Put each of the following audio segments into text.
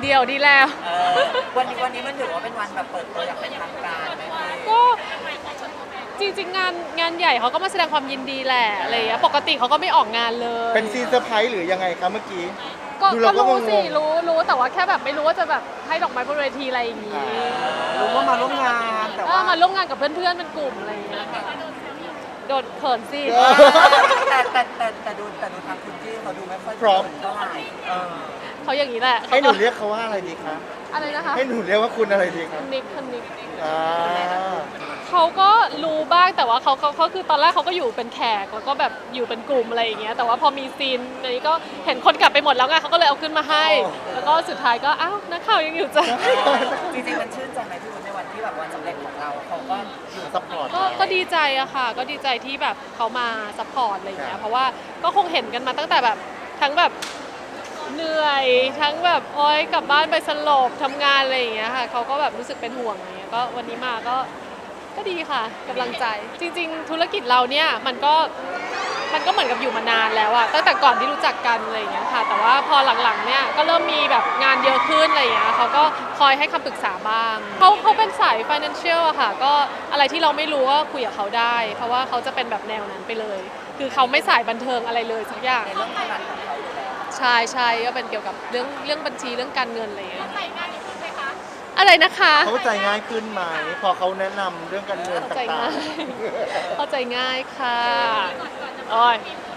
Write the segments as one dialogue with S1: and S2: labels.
S1: เดียวดีแล้ว
S2: วันนี้มันถือว่าเป็นวันแบบเปิดตัวอย่างเป็นทางการไหมพี่
S1: ก็จริงๆงานใหญ่เขาก็มาแสดงความยินดีแหละอะไรอย่างเงี้ยปกติเขาก็ไม่ออกงานเลย
S3: เป็นซีนเซอร์ไพรส์หรือยังไงคะเมื่อกี้
S1: ก็
S3: ดูเราก็
S1: รู้สิ
S3: งงๆ
S1: รู้แต่ว่าแค่แบบไม่รู้ว่าจะแบบให้ดอกไม้บนเวทีอะไรอย่างงี้
S2: รู้ว่ามาร่วมงานแต่
S1: เอ
S2: ว่า
S1: อมาร่วมงานกับเพื่อนๆเป็นกลุ่มอะไรอย่างเงี้ยโดนเขินสิ
S2: แต่ดูทางคุณที่เขาดูไม่ค่อย
S3: พร้อม
S2: เท่าไหร่
S1: เขาอย่างนี้แหละ
S3: ให้หนูเรียกเขาว่าอะไรดีคะ
S1: อะไรนะคะ
S3: ให้หนูเรียกว่าคุณอะไรดีคะ
S1: นิก
S3: อ่า
S1: เขาก็รู้บ้างแต่ว่าเขาคือตอนแรกเขาก็อยู่เป็นแขกแล้วก็แบบอยู่เป็นกลุ่มอะไรอย่างเงี้ยแต่ว่าพอมีซีนนี้ก็เห็นคนกลับไปหมดแล้วไงเขาก็เลยเอาขึ้นมาให้ แล้วก็สุดท้ายก็อ้าวนักข่าวยังอยู่จ้ะ
S2: จริงๆมันชื่นใจไหมพี่วุ้นในวันที่แบบวันสำเร็จของเราเขาก็อยู่
S3: ซัพพอร์ต
S1: ก็ดีใจอะค่ะ ก็ดีใจที่แบบเขามาซัพพอร์ตอะไรอย่างเงี้ยเพราะว่าก็คงเห็นกันมาตั้งแต่แบบทั้งแบบเหนื่อยทั้งแบบโอ๊ยกลับบ้านไปสลบทำงานอะไรอย่างเงี้ยค่ะเขาก็แบบรู้สึกเป็นห่วงอะไรเงี้ยก็วันนี้มาก็ดีค่ะกำลังใจ จริง ๆ ธุรกิจเราเนี่ยมันก็เหมือนกับอยู่มานานแล้วอะตั้งแต่ก่อนที่รู้จักกันอะไรอย่างเงี้ยค่ะแต่ว่าพอหลังๆเนี่ยก็เริ่มมีแบบงานเยอะขึ้นอะไรอย่างเงี้ยเขาก็คอยให้คำปรึกษาบ้างเขาเป็นสาย financial อะค่ะก็อะไรที่เราไม่รู้ก็คุยกับเขาได้ เพราะว่าเขาจะเป็นแบบแนวนั้นไปเลย คือเขาไม่สายบันเทิงอะไรเลยสักอย่าง
S2: ในเรื่องถนัดของเขาอยู่แล้ว
S1: ใช่ก็เป็นเกี่ยวกับเรื่องบัญชีเรื่องการเงินอะไรอย่างเงี้ยอะไรนะคะ
S3: เขาใจง่ายขึ้นไหมพอเขาแนะนำเรื่องการเงิน
S1: เข้า
S3: ต่
S1: ใจ
S3: า
S1: ง่าง ยเข้าใจง่ายค่ะโอ้ย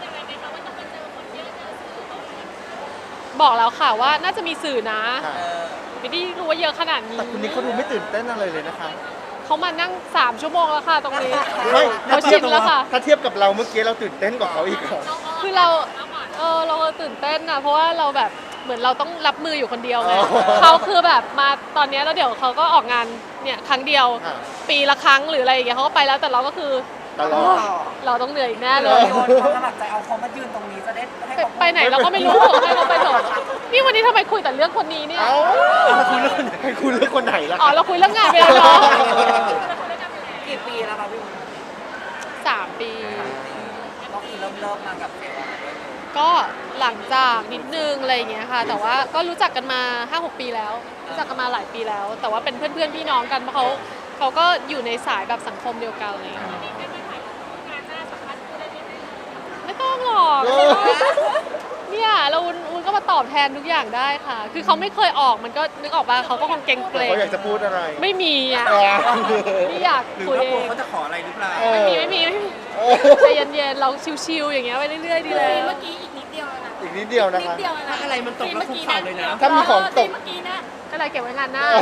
S1: บอกแล้วค่ะว่าน่าจะมีสื่อนะ
S3: ๆค่ะ
S1: ไม่ได้รู้ว่าเยอะขนาดนี้
S3: แต่คุณนิกเขาดูไม่ตื่นเต้นอะไรเลยนะคะ
S1: เขามานั่ง3 ชั่วโมงแล้วค่ะตรงนี้
S3: ไม่
S1: เขาชินแล้วค่ะ
S3: ถ้าเทียบกับเราเมื่อกี้เราตื่นเต้นกว่าเขาอีกค่ะ
S1: คือเราตื่นเต้นนะเพราะว่าเราแบบเหมือนเราต้องรับมืออยู่คนเดียวไง
S3: อ๋อ
S1: เขาคือแบบมาตอนเนี้ยแล้วเดี๋ยวเขาก็ออกงานเนี่ยครั้งเดียว
S3: อ่า
S1: ปีละครั้งหรืออะไรอย่างเงี้ยเขาก็ไปแล้วแต่เราก็คือ
S3: ตลอด
S1: เราต้องเหนื่อยอีกแน่เล
S2: เรา
S1: ย
S2: โยนความสมัครใจเอาเขามายืนตรงนี้จะได้ให้เขา
S1: ไปไหนเราก็ไม่รู้ให้เขาไปเถอะนี่วันนี้ทำไมคุยแต่เรื่องคนนี้เนี่ย
S3: เอ้าคุณเลือกคนไหนคุณเลือกคนไหนล่ะ
S1: อ๋อเราคุยเรื่องงานไปแล้วเนาะ
S2: กี่ปีแล้วคะพี่วุ้น
S1: 3 ปี
S2: ก็คือเริ่มมากับเซลล์อะไรด้วย
S1: ก็หลังจากนิดนึงอะไรอย่างเงี้ยค่ะ แต่ว่าก็รู้จักกันมา 5-6 ปีแล้ว รู้จักกันมาหลายปีแล้ว แต่ว่าเป็นเพื่อนๆพี่น้องกันเพราะเขาก็อยู่ในสายแบบสังคมเดียวกันอะไรอย่างเลยไม่ต้องหรอกเนี่ยเราวุ้นก็มาตอบแทนทุกอย่างได้ค่ะ คือเขาไม่เคยออกมันก็นึกออกป่ะเขาก็คงเกรงเกรง
S3: เขาอยากจะพูดอะไร
S1: ไม่มีอ่ะไม่อยาก
S2: หรือ
S1: คุย
S2: ว่า
S1: เอก
S2: ลัว
S1: ง
S2: เขาจะขออะไรหรือเปล่า
S1: ไม่มีใจเย็นๆเราชิวๆอย่างเงี้ยไปเรื่อยๆดีแล้ว
S4: เมื่อกี้อีกนิดเดียวนะ
S3: อีกนิดเดียวนะ
S4: นิด
S3: คะ
S4: เดียวนะ
S2: อะไรมันตกแล้วคุกเข่าเลยนะ
S3: ถ้ามีของตก
S4: เมื่อกี้นะ
S1: ก็เลยเก็บไว้งานหน้า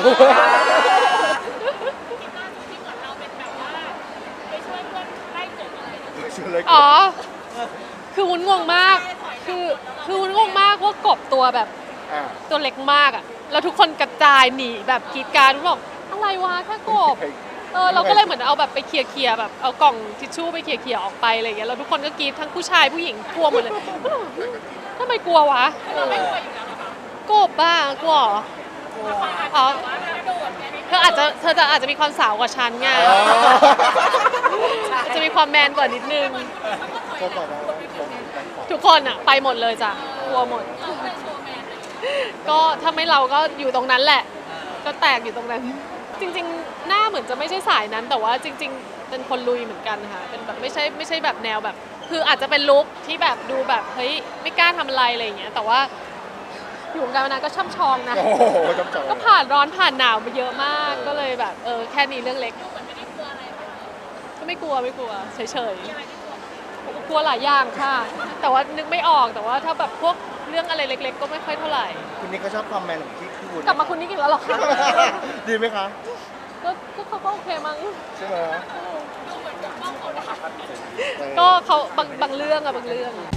S4: ที่เหมือนเราเป็นแบบว่าไปช่วยเพื่อนไล่กบอะไรนะ
S3: ชื่ออะไร
S1: อ๋อ คือวุ้นงงมาก คือวุ้นงงมากว่ากบตัวแบบ
S3: อ่า
S1: ตัวเล็กมากอ่ะ แล้วทุกคนกระจายหนีแบบกรีดกรารวุ้นบอกอะไรวะแค่กบ เราก็เลยเหมือนเอาแบบไปเคลียร์แบบเอากล่องทิชชู่ไปเคลียร์ออกไปอะไรอย่างเงี้ย แล้วทุกคนก็กรีดทั้งผู้ชายผู้หญิงกลัวหมดเลยทำไมกลัววะกบบ้ากลัวเหรออ๋อเธออาจจะมีความสาวกว่าฉันไง จะมีความแมนกว่านิดนึง
S3: เขาบอกว่า
S1: ทุกคนอะไปหมดเลยจ้ะกลัวหมด ก็ถ้าไม่เราก็อยู่ตรงนั้นแหละ ก็แตกอยู่ตรงนั้น จริงๆ หน้าเหมือนจะไม่ใช่สายนั้น แต่ว่าจริง ๆ เป็นคนลุยเหมือนกันค่ะ เป็นแบบไม่ใช่แบบแนวแบบ คืออาจจะเป็นลุคที่แบบดูแบบเฮ้ยไม่กล้าทำอะไรอะไรอย่างเงี้ย แต่ว่าอยู่วงการมานานก็ช่ำชองนะ
S3: โอ้โหจำจำ
S1: ก็ผ่านร้อนผ่านหนาวมาเยอะมาก ก็เลยแบบแค่นี้เรื่องเล็ก ก็ไม่กลัวเฉยๆกลัวหลายอย่างค่ะ แต่ว่านึกไม่ออกแต่ว่าถ้าแบบพวกเรื่องอะไรเล็ก ๆ ก็ไม่ค่อยเท่าไหร่
S3: คุณนิกเขาชอบความแมนของที่คุณ
S1: กลับมาคุณนี่กินแล้วหรอคะ
S3: ดีไหมคะ
S1: ก็เขาก็โอเคมั้ง
S3: ใช่ไหม
S1: ก็เขาบางเรื่องอะบางเรื่อง